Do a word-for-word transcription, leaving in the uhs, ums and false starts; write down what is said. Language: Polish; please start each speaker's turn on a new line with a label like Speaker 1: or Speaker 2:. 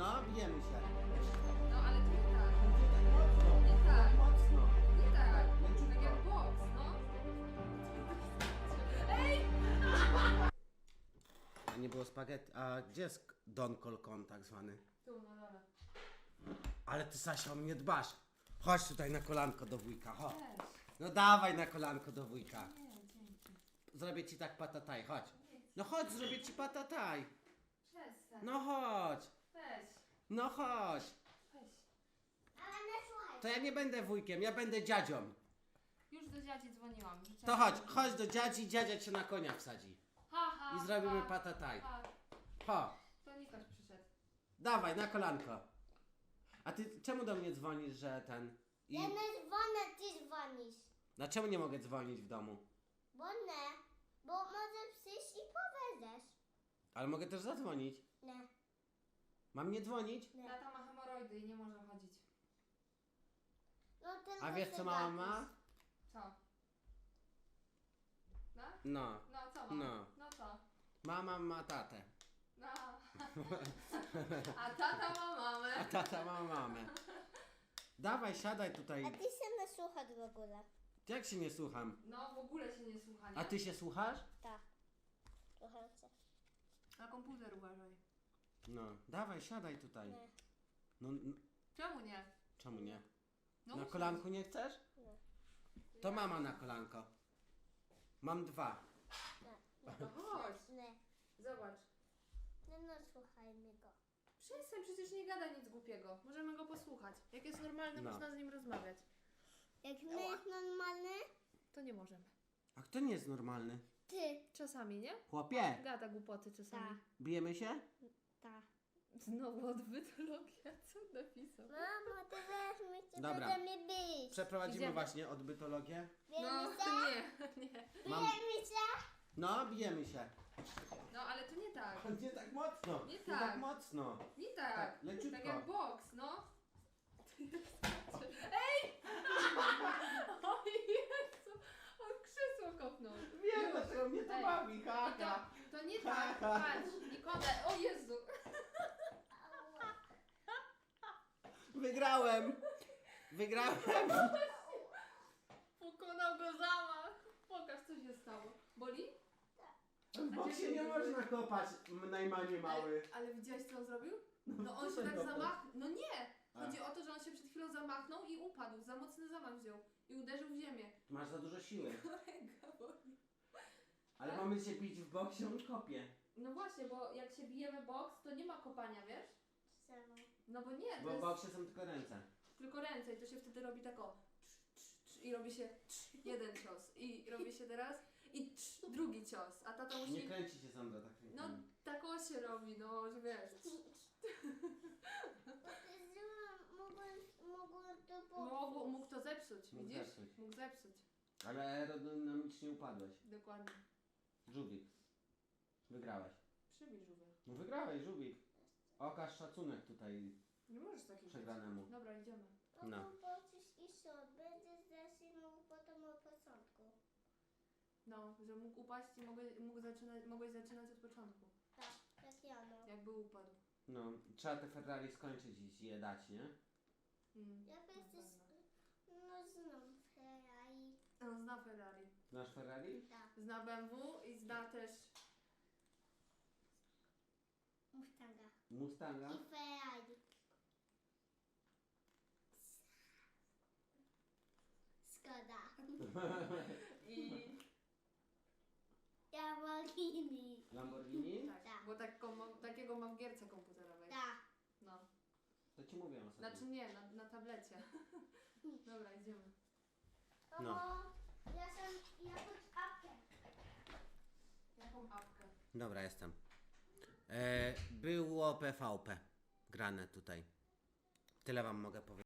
Speaker 1: No, bijemy się.
Speaker 2: No ale to nie tak.
Speaker 1: Nie tak mocno.
Speaker 2: Nie tak.
Speaker 1: Tak mocno.
Speaker 2: Nie tak.
Speaker 1: Leciutko.
Speaker 2: Tak jak boks, no. Ej!
Speaker 1: A nie było spaghetti. A gdzie jest Don Colcon tak zwany?
Speaker 2: Tu, na dole.
Speaker 1: Ale ty, Sasia, o mnie dbasz. Chodź tutaj na kolanko do wujka, chodź.
Speaker 2: Weź.
Speaker 1: No dawaj na kolanko do wujka.
Speaker 2: Nie, dzięki.
Speaker 1: Zrobię ci tak patataj, chodź. No chodź, zrobię ci patataj.
Speaker 2: Przestań.
Speaker 1: No chodź.
Speaker 2: Weź.
Speaker 1: No chodź.
Speaker 2: Weź.
Speaker 3: Ale nie słuchaj.
Speaker 1: To ja nie będę wujkiem, ja będę dziadzią.
Speaker 2: Już do dziadzi dzwoniłam. że
Speaker 1: To
Speaker 2: trzeba-
Speaker 1: chodź, chodź do dziadzi, dziadzia cię na konia wsadzi.
Speaker 2: Ha, ha,
Speaker 1: I zrobimy
Speaker 2: ha,
Speaker 1: patataj.
Speaker 2: ha.
Speaker 1: Ho,
Speaker 2: To Nikoś przyszedł.
Speaker 1: dawaj, na kolanko. A ty czemu do mnie dzwonisz, że ten... I...
Speaker 3: Ja nie dzwonię, ty dzwonisz.
Speaker 1: Dlaczego nie mogę dzwonić w domu?
Speaker 3: Bo nie, bo może przyjść i powiedzesz.
Speaker 1: Ale mogę też zadzwonić.
Speaker 3: Nie,
Speaker 1: Mam nie dzwonić?
Speaker 3: nie.
Speaker 2: Tata ma hemoroidy i nie może chodzić.
Speaker 3: No, tylko
Speaker 1: A wiesz
Speaker 3: się
Speaker 1: co mama
Speaker 3: gapisz.
Speaker 1: ma?
Speaker 2: Co? No?
Speaker 1: No.
Speaker 2: No co mam?
Speaker 1: No.
Speaker 2: No co?
Speaker 1: Mama ma tatę.
Speaker 2: No. A tata ma mamę.
Speaker 1: A tata ma mamę. Dawaj, siadaj
Speaker 3: A
Speaker 1: tutaj.
Speaker 3: ty się nie słuchasz w ogóle.
Speaker 1: Jak się nie słucham?
Speaker 2: No w ogóle się nie słucha, nie?
Speaker 1: A ty się słuchasz?
Speaker 3: Tak. Słucham cię.
Speaker 2: Na komputer uważaj.
Speaker 1: No, dawaj, siadaj tutaj.
Speaker 3: Nie,
Speaker 1: No, n-
Speaker 2: Czemu nie?
Speaker 1: czemu nie?
Speaker 2: No
Speaker 1: Na
Speaker 2: usiądź.
Speaker 1: kolanku nie chcesz?
Speaker 3: nie,
Speaker 1: To mama na kolanko. Mam dwa.
Speaker 3: nie.
Speaker 2: No to chodź.
Speaker 3: Nie,
Speaker 2: Zobacz.
Speaker 3: nie, no słuchaj mnie go.
Speaker 2: Przestań, przecież nie gada nic głupiego. Możemy go posłuchać. Jak jest normalny,
Speaker 1: No.
Speaker 2: można z nim rozmawiać.
Speaker 3: Jak nie jest normalny,
Speaker 2: To nie możemy.
Speaker 1: A kto nie jest normalny?
Speaker 3: ty.
Speaker 2: Czasami, nie?
Speaker 1: Chłopie,
Speaker 2: Gada głupoty czasami.
Speaker 3: Tak.
Speaker 1: bijemy się?
Speaker 3: Tak.
Speaker 2: Znowu odbytologia, co napisał?
Speaker 3: Mamo, ty weź mnie, ty
Speaker 1: Dobra.
Speaker 3: będzie mnie bić.
Speaker 1: Przeprowadzimy
Speaker 2: Idziemy.
Speaker 1: właśnie odbytologię.
Speaker 2: No,
Speaker 3: Bijemy się?
Speaker 2: nie, nie.
Speaker 1: Mam...
Speaker 3: Bijemy się?
Speaker 1: No, bijemy się.
Speaker 2: No, ale to nie tak.
Speaker 1: Nie tak mocno.
Speaker 2: Nie
Speaker 1: Nie
Speaker 2: tak.
Speaker 1: tak mocno.
Speaker 2: Nie tak.
Speaker 1: Tak, leciutko.
Speaker 2: Tak jak boks, no. Ej! O Jezu! On krzesło kopnął.
Speaker 1: Wiem, dlaczego mnie to
Speaker 2: Ej.
Speaker 1: bawi,
Speaker 2: I
Speaker 1: haha.
Speaker 2: to, to nie tak. Patrz, Nikodem. O Jezu!
Speaker 1: Wygrałem. Wygrałem.
Speaker 2: Pokonał go zamach. Pokaż, co się stało. Boli?
Speaker 1: Bo się nie można kopać, m- najmanie mały.
Speaker 2: Ale, ale widziałeś, co on zrobił? No on się tak zamachnął. No nie! Chodzi o to, że on się przed chwilą zamachnął i upadł. Za mocny zamach wziął. I uderzył w ziemię.
Speaker 1: Masz za dużo siły.
Speaker 2: Ręka boli.
Speaker 1: Ale mamy się bić w boksie, on kopie.
Speaker 2: No właśnie, bo jak się bijemy boks, to nie ma kopania, wiesz?
Speaker 3: Czemu?
Speaker 2: No bo nie, to
Speaker 1: Bo w
Speaker 2: jest
Speaker 1: boksie są tylko ręce.
Speaker 2: tylko ręce i to się wtedy robi tak o trz, trz, trz, i robi się trz, jeden cios i robi się teraz i trz, drugi cios, a tata
Speaker 1: Nie
Speaker 2: musi...
Speaker 1: kręci się Sandra tak
Speaker 2: No
Speaker 1: rękami.
Speaker 2: tak o się robi, no, że wiesz.
Speaker 3: Mogłem, mogłem to
Speaker 2: Mógł, mógł to zepsuć,
Speaker 1: Mógł
Speaker 2: widzisz?
Speaker 1: zepsuć.
Speaker 2: Mógł zepsuć,
Speaker 1: Ale aerodynamicznie upadłeś.
Speaker 2: dokładnie.
Speaker 1: Żubik. Wygrałeś.
Speaker 2: Przybij żółwia.
Speaker 1: No wygrałeś, Żubik. Okaż szacunek tutaj
Speaker 2: Nie możesz takiego
Speaker 1: przegranemu.
Speaker 2: Dobra, idziemy.
Speaker 1: No.
Speaker 3: No. Pocisz i shot. Będziesz zaczynał potem od początku.
Speaker 2: No, że mógł upaść i mogłeś, mógł zaczynać, mogłeś zaczynać od początku,
Speaker 3: Tak, jak ja no.
Speaker 2: jakby upadł.
Speaker 1: No, trzeba te Ferrari skończyć i je dać, nie?
Speaker 2: Mm.
Speaker 3: Jak
Speaker 2: na
Speaker 3: jesteś,
Speaker 2: pewno.
Speaker 3: no znów Ferrari.
Speaker 2: On zna Ferrari.
Speaker 1: Znasz Ferrari?
Speaker 3: Tak.
Speaker 2: Zna B M W i zna też...
Speaker 3: Mustanga.
Speaker 1: Mustanga?
Speaker 3: I Ferrari. Skoda.
Speaker 2: I...
Speaker 3: Lamborghini.
Speaker 1: Lamborghini?
Speaker 2: Tak,
Speaker 3: Tak.
Speaker 2: bo taką, mam- takiego mam w gierce komputerowej.
Speaker 3: Tak.
Speaker 2: No.
Speaker 1: To ci mówiłem ostatnio.
Speaker 2: Znaczy nie, na, na tablecie. Dobra, idziemy.
Speaker 1: No.
Speaker 3: Mamo, ja sam jakąś apkę.
Speaker 2: Jaką apkę?
Speaker 1: Dobra, jestem. E, było P V P grane tutaj. Tyle wam mogę powiedzieć.